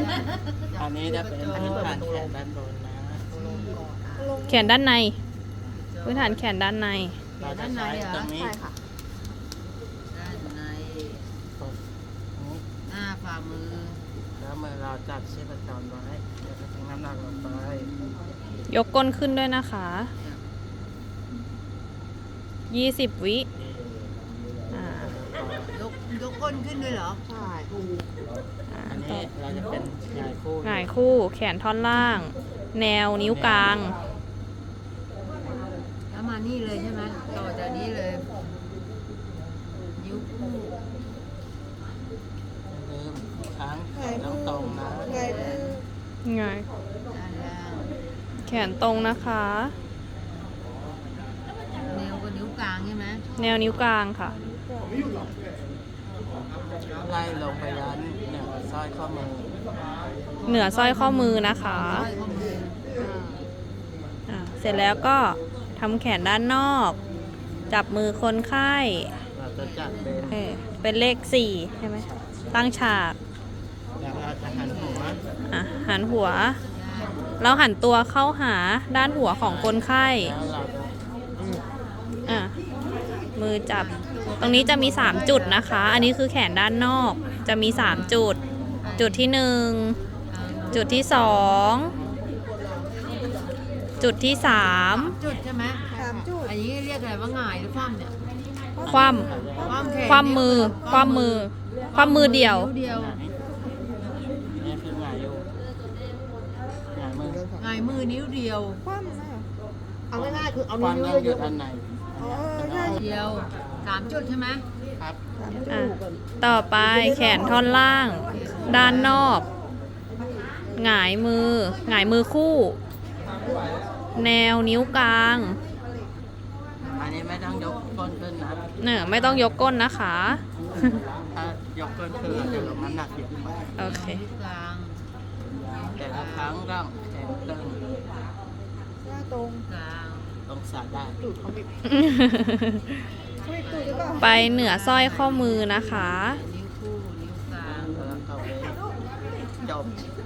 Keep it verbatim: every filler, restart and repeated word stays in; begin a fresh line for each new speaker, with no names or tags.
อันนี้จะเป็นพื้นฐานแขนด้านบนนะ
แขนด้านในพื้นฐานแขนด้านใน
เราจะใช้ตรงนี้
ใช่ค่ะ
ด้านใน
กดนี้
หน้าฝ่ามือ
แล้วมือเราจับชีพจรไว้เดี๋ยวจะทิ้งน้ำหนักลงไป
ยกก้นขึ้นด้วยนะคะยี่สิบวิอ่าย
กยกก้นขึ้นด้วยเหรอ
ใช่
อ่า
อัน
ต่
นี้
อ
เราจะเป็นหงายคู่
หงายคู่แขนท่อนล่าง แนวนิ้วกลาง
แล้วมานี่เลยใช่ไหมต่อจากนี้เลย นิ้วคู่
ลืมค้างแขนต้องตรงนะ
ไงมือ
ไง
ด้านล่าง
แขนตรงนะคะ
แนวกับนิ้วกลางใช่ไหม
แนวนิ้วกลางค่ะ
ไล่ลงไปยันเนี่ยสร้อยข้อมือ
เหนือสร้อยข้อมือนะคะ
ร้อยข้อมือ
อ่าเสร็จแล้วก็ทำแขนด้านนอก จับมือคนไข้
เราจะจัดเป็น
เออเป็นเลขสี่ใช่ไหมตั้งฉาก
แล้วเราจะหันหัว
อ่ะหันหัว เราหันตัวเข้าหาด้านหัวของคนไข้
แล้วเราจะ
อ่ะมือจับ ตรงนี้จะมีสามจุดนะคะ อันนี้คือแขนด้านนอก จะมีสามจุด จุดที่หนึ่ง จุดที่สอง จุดที่สาม
จุดใช่ไหม
สามจุด
อันนี้เรียกอะไรว่าหงายหรือคว่ำเนี่ย
คว่
คว่ำแขน
ำคว่ำมือ คว่ำมือ คว่ำมือเดียว
นิ้วเดียว
ไหนนี่คือหงายอยู่หงายมือ
หงายมือนิ้วเดียว
คว่ำนะเอาง่ายๆคือเอา
ความ
นิ้ว
ยังห
เย
ยุด
อะ
อันไหน
ๆอ๋อใช่
เดียวสามจุดใช่ไหม
ครับ
สามจุด
อ่ะ ต่อไปแขนท่อนล่าง ด้านนอก หงายมือ หงายมือคู่ แนวนิ้วกลาง
อันนี้ไม่ต้องยกก้นขึ้นนะ
เนี่ยไม่ต้องยกก้นนะคะ
ถ้ายกก้นขึ้นเราจะลงน้ำหนักเยอะไป
โอเค
นิ้วกลาง
แต่ละครั้งก็แขนตึง
หน้าตรง
กลาง
ตรงสาได้
ตูดเขาบิดเขาบิดตูดหรือเปล่า
ไปเหนือสร้อยข้อมือนะคะ
นิ้วคู่นิ้วกลาง
แล้วก็เว้นจบ